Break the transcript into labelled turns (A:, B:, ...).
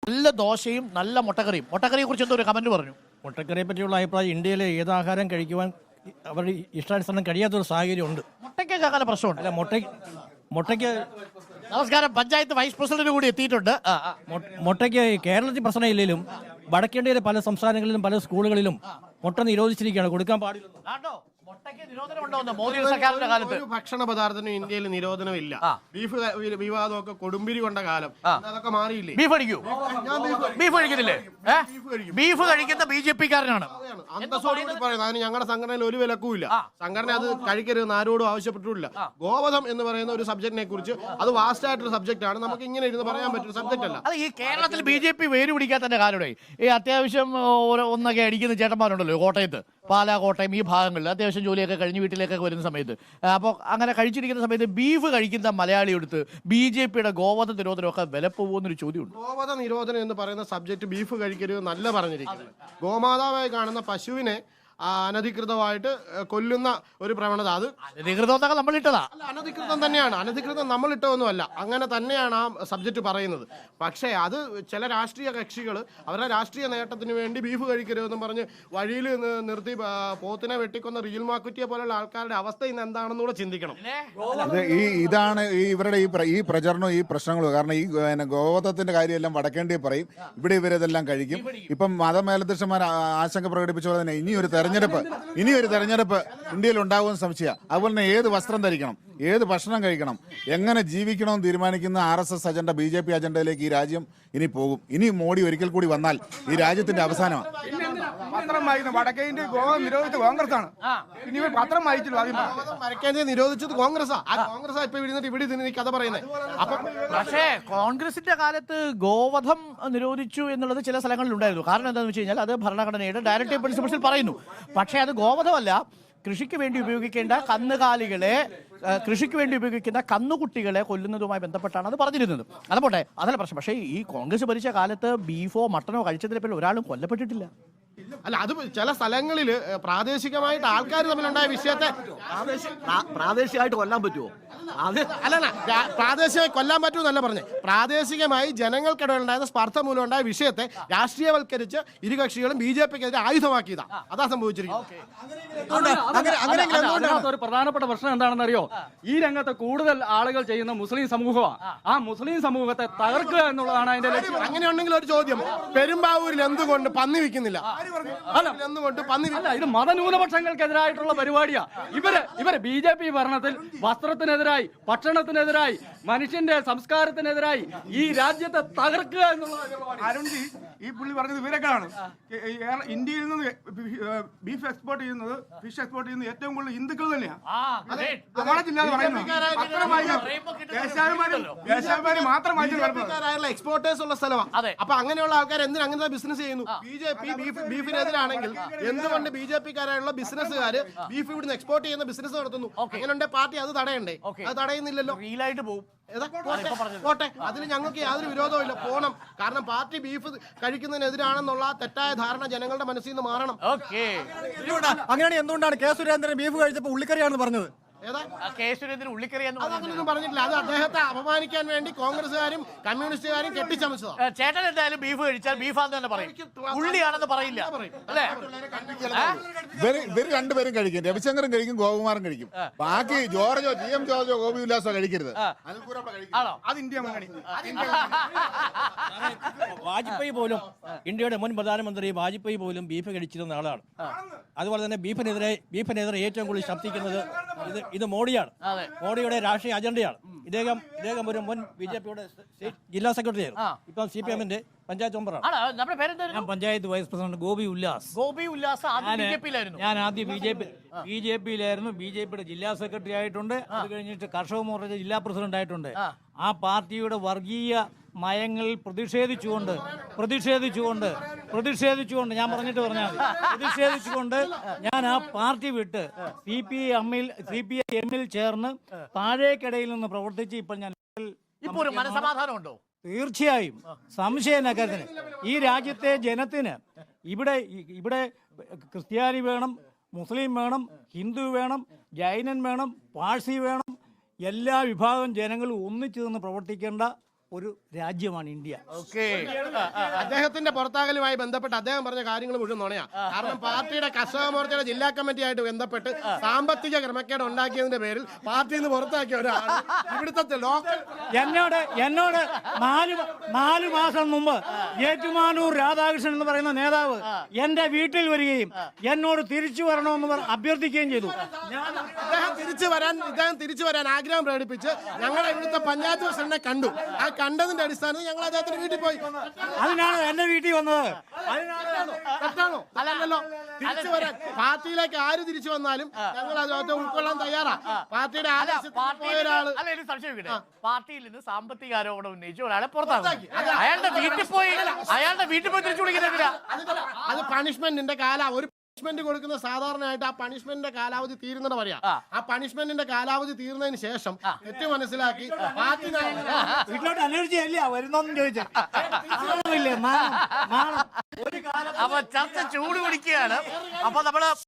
A: നല്ല ദോശയും നല്ല മുട്ടക്കറിയും. മുട്ടക്കറിയെ കുറിച്ച് എന്തോ ഒരു കമന്റ് പറഞ്ഞു.
B: മുട്ടക്കറിയെ പറ്റിയുള്ള അഭിപ്രായം, ഇന്ത്യയിലെ ഏതാഹാരം കഴിക്കുവാൻ അവരുടെ ഇഷ്ടാനുസരണം കഴിയാത്തൊരു സാഹചര്യം ഉണ്ട്.
A: മുട്ടയ്ക്കൊക്കെ അങ്ങനെ പ്രശ്നമുണ്ട്.
B: അല്ല, മുട്ടയ്ക്ക്
A: നമസ്കാരം, പഞ്ചായത്ത് വൈസ് പ്രസിഡന്റ് കൂടി എത്തിയിട്ടുണ്ട്.
B: മുട്ടയ്ക്ക് കേരളത്തിൽ പ്രശ്നമില്ലെങ്കിലും വടക്കേന്ത്യയിലെ പല സംസ്ഥാനങ്ങളിലും പല സ്കൂളുകളിലും മുട്ട നിരോധിച്ചിരിക്കുകയാണ്, കൊടുക്കാൻ പാടില്ല.
A: മുട്ടയ്ക്ക് നിരോധനമുണ്ടോ മോദി സർക്കാരിന്റെ കാലത്ത്?
C: ഒരു ഭക്ഷണ പദാർത്ഥത്തിനും ഇന്ത്യയിൽ നിരോധനമില്ല. ബീഫ് വിവാദമൊക്കെ കൊടുമ്പിരി കൊണ്ട കാലം, അതൊക്കെ മാറിയില്ലേ?
A: ബീഫ് കഴിക്കൂ? ബീഫ് കഴിക്കുന്നില്ലേ? ബീഫ് കഴിക്കുന്ന BJP-കാരനാണ്.
C: അന്തസ്സോടുകൂടി പറയുന്നത്. അതിന് ഞങ്ങളുടെ സംഘടനയിൽ ഒരു വിലക്കുമില്ല. സംഘടന അത് കഴിക്കരുതെന്ന് ആരോടും ആവശ്യപ്പെട്ടിട്ടില്ല. ഗോവധം എന്ന് പറയുന്ന ഒരു സബ്ജക്റ്റിനെ കുറിച്ച്, അത് വാസ്റ്റ് ആയിട്ടൊരു സബ്ജക്റ്റ് ആണ്. നമുക്ക് ഇങ്ങനെ ഇരുന്ന് പറയാൻ പറ്റുന്ന സബ്ജക്റ്റ് അല്ല.
A: അത് ഈ കേരളത്തിൽ BJP വേര് പിടിക്കാത്തതിന്റെ കാരണമേ ഈ അത്യാവശ്യം ഒന്നൊക്കെ അടിക്കുന്ന ചേട്ടന്മാരുണ്ടല്ലോ കോട്ടയത്ത്, പാലാ, കോട്ടയം ഈ ഭാഗങ്ങളിൽ അത്യാവശ്യം ജോലിയൊക്കെ കഴിഞ്ഞ് വീട്ടിലേക്കൊക്കെ വരുന്ന സമയത്ത്, അപ്പോൾ അങ്ങനെ കഴിച്ചിരിക്കുന്ന സമയത്ത് ബീഫ് കഴിക്കുന്ന മലയാളി എടുത്ത് BJP-യുടെ ഗോവധ നിരോധനമൊക്കെ വില പോകുന്നൊരു ചോദ്യമുണ്ട്.
C: ഗോവധ നിരോധനം എന്ന് പറയുന്ന സബ്ജക്റ്റ് ബീഫ് കഴിക്കരുത് നല്ല പറഞ്ഞിരിക്കുന്നത്. ഗോമാതാവായി കാണുന്ന പശുവിനെ അനധികൃതമായിട്ട് കൊല്ലുന്ന ഒരു പ്രവണത, അത്
A: അനധികൃതമൊക്കെ നമ്മൾ ഇട്ടതാ.
C: അനധികൃതം തന്നെയാണ്. അനധികൃതം നമ്മൾ ഇട്ടതൊന്നുമല്ല. അങ്ങനെ തന്നെയാണ് ആ സബ്ജക്റ്റ് പറയുന്നത്. പക്ഷേ അത് ചില രാഷ്ട്രീയ കക്ഷികൾ അവരുടെ രാഷ്ട്രീയ നേട്ടത്തിന് വേണ്ടി ബീഫ് കഴിക്കരുതെന്നും പറഞ്ഞ് വഴിയിൽ നിർത്തി പോത്തിനെ വെട്ടിക്കൊന്ന റിയൽ മാക്കുറ്റിയെ പോലുള്ള ആൾക്കാരുടെ അവസ്ഥ ഇന്ന് എന്താണെന്നുകൂടെ ചിന്തിക്കണം.
D: ഇതാണ് ഇവരുടെ ഈ പ്രചരണവും ഈ പ്രശ്നങ്ങളും. കാരണം ഈ ഗോവധത്തിന്റെ കാര്യമെല്ലാം വടക്കേണ്ടി പറയും, ഇവിടെ ഇവരിതെല്ലാം കഴിക്കും. ഇപ്പം മതമേലധ്യക്ഷന്മാർ ആശങ്ക പ്രകടിപ്പിച്ച പോലെ തന്നെ ഇനിയൊരു തെരഞ്ഞെടുപ്പ് ഇന്ത്യയിൽ ഉണ്ടാകുമെന്ന് സംശയം. അതുപോലെ തന്നെ ഏത് വസ്ത്രം ധരിക്കണം, ഏത് ഭക്ഷണം കഴിക്കണം, എങ്ങനെ ജീവിക്കണമെന്ന് തീരുമാനിക്കുന്ന RSS അജണ്ട BJP അജണ്ടയിലേക്ക് ഈ രാജ്യം ഇനി പോകും. ഇനി മോഡി ഒരിക്കൽ കൂടി വന്നാൽ ഈ രാജ്യത്തിന്റെ അവസാനമാണ്.
E: പത്രം വായിക്കുന്നത് വടക്കേ ഇന്ത്യ ഗോവ നിരോധിച്ച കോൺഗ്രസ്സാണ്. ഇനി പത്രം വായിച്ചല്ലോ,
C: വടക്കേന്ത്യ നിരോധിച്ചത് കോൺഗ്രസ്സാ. കോൺഗ്രസ് ഇപ്പൊ ഇവിടെ കഥ പറയുന്നത്. അപ്പൊ
A: പക്ഷേ കോൺഗ്രസിന്റെ കാലത്ത് ഗോവധം നിരോധിച്ചു എന്നുള്ളത് ചില സ്ഥലങ്ങളിൽ ഉണ്ടായിരുന്നു. കാരണം എന്താണെന്ന് വെച്ച് കഴിഞ്ഞാൽ അത് ഭരണഘടനയുടെ ഡയറക്റ്റീവ് പ്രിൻസിപ്പിൾസിൽ പറയുന്നു. പക്ഷേ അത് ഗോവധമല്ല, കൃഷിക്ക് വേണ്ടി ഉപയോഗിക്കേണ്ട കന്നുകാലികളെ, കൃഷിക്ക് വേണ്ടി ഉപയോഗിക്കുന്ന കന്നുകുട്ടികളെ കൊല്ലുന്നതുമായി ബന്ധപ്പെട്ടാണ് അത് പറഞ്ഞിരുന്നത്. അതുപോട്ടെ, അതല്ല പ്രശ്നം. പക്ഷേ ഈ കോൺഗ്രസ് ഭരിച്ച കാലത്ത് ബീഫോ മട്ടനോ കഴിച്ചതിനെ പേരിൽ ഒരാളും കൊല്ലപ്പെട്ടിട്ടില്ല.
C: അല്ല, അത് ചില സ്ഥലങ്ങളിൽ പ്രാദേശികമായിട്ട് ആൾക്കാർ തമ്മിലുണ്ടായ വിഷയത്തെ
F: പ്രാദേശികമായിട്ട് കൊല്ലാൻ പറ്റുമോ?
C: അല്ല, പ്രാദേശികമായി കൊല്ലാൻ പറ്റുമെന്നല്ല പറഞ്ഞത്. പ്രാദേശികമായി ജനങ്ങൾക്കിടയിലുണ്ടായ സ്പർദ്ധ മൂലം ഉണ്ടായ വിഷയത്തെ രാഷ്ട്രീയവൽക്കരിച്ച് ഇരു കക്ഷികളും BJP-ക്കെതിരെ ആയുധമാക്കിയതാ. അതാ സംഭവിച്ചിരിക്കുന്നത്.
E: ഒരു പ്രധാനപ്പെട്ട പ്രശ്നം എന്താണെന്ന് അറിയോ? ഈ രംഗത്ത് കൂടുതൽ ആളുകൾ ചെയ്യുന്ന മുസ്ലിം സമൂഹമാണ്. ആ മുസ്ലിം സമൂഹത്തെ തകർക്കുക എന്നുള്ളതാണ് അതിന്റെ ലക്ഷ്യം.
C: അങ്ങനെയുണ്ടെങ്കിൽ ഒരു ചോദ്യം, പെരുമ്പാവൂരിൽ എന്തുകൊണ്ട് പന്നി വിൽക്കുന്നില്ല?
E: അല്ല, ഇത് മതന്യൂനപക്ഷങ്ങൾക്കെതിരായിട്ടുള്ള പരിപാടിയാ. ഇവര് BJP ഭരണത്തിൽ വസ്ത്രത്തിനെതിരായി, ഭക്ഷണത്തിനെതിരായി, മനുഷ്യന്റെ സംസ്കാരത്തിനെതിരായി ഈ രാജ്യത്തെ തകർക്കുക എന്നുള്ളത്.
G: അരുൺജി, ഈ പുള്ളി പറഞ്ഞത് ഇവരൊക്കെയാണ്. ഇന്ത്യയിൽ നിന്ന് ബീഫ് എക്സ്പോർട്ട് ചെയ്യുന്നത്, ഫിഷ് എക്സ്പോർട്ട് ചെയ്യുന്നത് ഏറ്റവും കൂടുതൽ ഹിന്ദുക്കൾ തന്നെയാണ്.
C: എക്സ്പോർട്ടേഴ്സ് ഉള്ള സ്ഥലമാണ്. അപ്പൊ അങ്ങനെയുള്ള ആൾക്കാർ എന്തിനാ അങ്ങനത്തെ ബിസിനസ് ചെയ്യുന്നു? BJP ബീഫിനെതിരാണെങ്കിൽ എന്തുകൊണ്ട് BJP-കാരായുള്ള ബിസിനസ്സുകാർ ബീഫ് ഇവിടുന്ന് എക്സ്പോർട്ട് ചെയ്യുന്ന ബിസിനസ് നടത്തുന്നു? അങ്ങനെയുണ്ടെ പാർട്ടി അത് തടയണ്ടേ? അത് തടയുന്നില്ലല്ലോ. പോട്ടെ, അതിന് ഞങ്ങൾക്ക് യാതൊരു വിരോധവും ഇല്ല, പോണം. കാരണം പാർട്ടി ബീഫ് കഴിക്കുന്നതിനെതിരാണെന്നുള്ള തെറ്റായ ധാരണ ജനങ്ങളുടെ മനസ്സിൽ നിന്ന് മാറണം.
B: അങ്ങനെയാണ്. എന്തുകൊണ്ടാണ് കെ സുരേന്ദ്രൻ ബീഫ് കഴിച്ചപ്പോൾ ഉള്ളിക്കറിയാണെന്ന് പറഞ്ഞത്?
C: അതൊന്നും പറഞ്ഞിട്ടില്ല. അത് അദ്ദേഹത്തെ അപമാനിക്കാൻ വേണ്ടി കോൺഗ്രസുകാരും കമ്മ്യൂണിസ്റ്റുകാരും കെട്ടിച്ചമച്ചതാ.
A: ചേട്ടൻ എന്തായാലും ബീഫ് കഴിച്ചാൽ ബീഫാന്ന് തന്നെ പറയും, ഉള്ളിയാണെന്ന് പറയില്ല അല്ലേ?
D: ഇവർ രണ്ടുപേരും കഴിക്കും. രവിശങ്കറും കഴിക്കും, ഗോപകുമാറും കഴിക്കും. ബാക്കി ജോർജോ, GM ജോർജോ, ഗോപി ഉല്ലാസോ കഴിക്കരുത്.
G: അത് ഇന്ത്യ മുന്നണി.
B: വാജ്പേയി പോലും, ഇന്ത്യയുടെ മുൻ പ്രധാനമന്ത്രി വാജ്പേയി പോലും ബീഫ് കഴിച്ചിരുന്ന ആളാണ്. അതുപോലെ തന്നെ ബീഫിനെതിരെ ഏറ്റവും കൂടുതൽ ശബ്ദിക്കുന്നത് ഇത് മോഡിയാണ്. മോഡിയുടെ രാഷ്ട്രീയ അജണ്ടയാണ്. ഇദ്ദേഹം ഒരു മുൻ BJP-യുടെ ജില്ലാ സെക്രട്ടറി ആയിരുന്നു. ഇപ്പം CPM-ന്റെ പഞ്ചായത്ത് മെമ്പറാണ്.
H: ഞാൻ പഞ്ചായത്ത് വൈസ് പ്രസിഡന്റ് ഗോപി ഉല്ലാസ്. ഞാൻ ആദ്യം BJP-യിലായിരുന്നു. BJP-യുടെ ജില്ലാ സെക്രട്ടറി ആയിട്ടുണ്ട്. അത് കഴിഞ്ഞിട്ട് കർഷക മോർച്ച ജില്ലാ പ്രസിഡന്റ് ആയിട്ടുണ്ട്. ആ പാർട്ടിയുടെ വർഗീയ നയങ്ങളിൽ പ്രതിഷേധിച്ചുകൊണ്ട് ഞാൻ പ്രതിഷേധിച്ചുകൊണ്ട് ഞാൻ ആ പാർട്ടി വിട്ട് CPIM-ൽ ചേർന്ന് താഴേക്കിടയിൽ നിന്ന് പ്രവർത്തിച്ച് ഇപ്പോൾ ഞാൻ
A: മനസമാധാനമുണ്ടോ?
H: തീർച്ചയായും സംശയം കാര്യത്തിന്. ഈ രാജ്യത്തെ ജനത്തിന് ഇവിടെ ക്രിസ്ത്യാനി വേണം, മുസ്ലിം വേണം, ഹിന്ദു വേണം, ജൈനൻ വേണം, പാഴ്സി വേണം, എല്ലാ വിഭാഗം ജനങ്ങളും ഒന്നിച്ചു നിന്ന് പ്രവർത്തിക്കേണ്ട ഒരു രാജ്യമാണ് ഇന്ത്യ.
A: ഓക്കെ.
C: അദ്ദേഹത്തിന്റെ പുറത്താകലുമായി ബന്ധപ്പെട്ട് അദ്ദേഹം പറഞ്ഞ കാര്യങ്ങൾ മുഴുവൻ നുണയാ. കാരണം പാർട്ടിയുടെ കർഷക മോർച്ചയുടെ ജില്ലാ കമ്മിറ്റിയായിട്ട് ബന്ധപ്പെട്ട് സാമ്പത്തിക ക്രമക്കേട് ഉണ്ടാക്കിയതിന്റെ പേരിൽ പാർട്ടിയിൽ നിന്ന് പുറത്താക്കിയ ഒരാൾ ഇവിടുത്തെ ലോക്കൽ
H: എന്നോട് നാല് മാസം മുമ്പ് ഏറ്റുമാനൂർ രാധാകൃഷ്ണൻ എന്ന് പറയുന്ന നേതാവ് എന്റെ വീട്ടിൽ വരികയും എന്നോട് തിരിച്ചു വരണമെന്ന് അഭ്യർത്ഥിക്കുകയും ചെയ്തു.
C: ഇദ്ദേഹം തിരിച്ചു വരാൻ ആഗ്രഹം പ്രകടിപ്പിച്ച് ഞങ്ങളെ ഇവിടുത്തെ പഞ്ചായത്ത് പ്രസിഡന്റിനെ കണ്ടു. ആ കണ്ടതിന്റെ അടിസ്ഥാനത്തിൽ ഞങ്ങൾ അദ്ദേഹത്തിന്റെ വീട്ടിൽ പോയി.
H: അതിനാണ് എന്റെ വീട്ടിൽ വന്നത്.
C: തെറ്റാണോ? അല്ലല്ലോ. തിരിച്ചു വരാൻ പാർട്ടിയിലേക്ക് ആര് തിരിച്ചു വന്നാലും ഞങ്ങൾ അദ്ദേഹത്തെ ഉൾക്കൊള്ളാൻ തയ്യാറാ. പാർട്ടിയുടെ ആദേശത്തിന് പോയ ഒരാള്
A: അല്ല, എനിക്ക് സംശയം ഇവിടെ പാർട്ടിയിൽ നിന്ന് സാമ്പത്തിക ആരോപണം ഉന്നയിച്ച് ഒരാളെ പുറത്താക്കി. അയാളുടെ വീട്ടിൽ പോയി തിരിച്ചു വിളിക്കുന്നില്ല.
C: അത് പണിഷ്മെന്റിന്റെ ഒരു പണിഷ്മെന്റ് കൊടുക്കുന്ന സാധാരണയായിട്ട് ആ പണിഷ്മെന്റിന്റെ കാലാവധി തീരുന്നത് പറയാ. ആ പണിഷ്മെന്റിന്റെ കാലാവധി തീർന്നതിന് ശേഷം തെറ്റ് മനസ്സിലാക്കി പാർട്ടി
H: വീട്ടിലോട്ട് അന്വേഷിച്ചല്ലേ വരുന്നോന്നും ചോദിച്ചേ.
A: അപ്പൊ ചർച്ച ചൂട് പിടിക്കുകയാണ്. അപ്പൊ നമ്മള്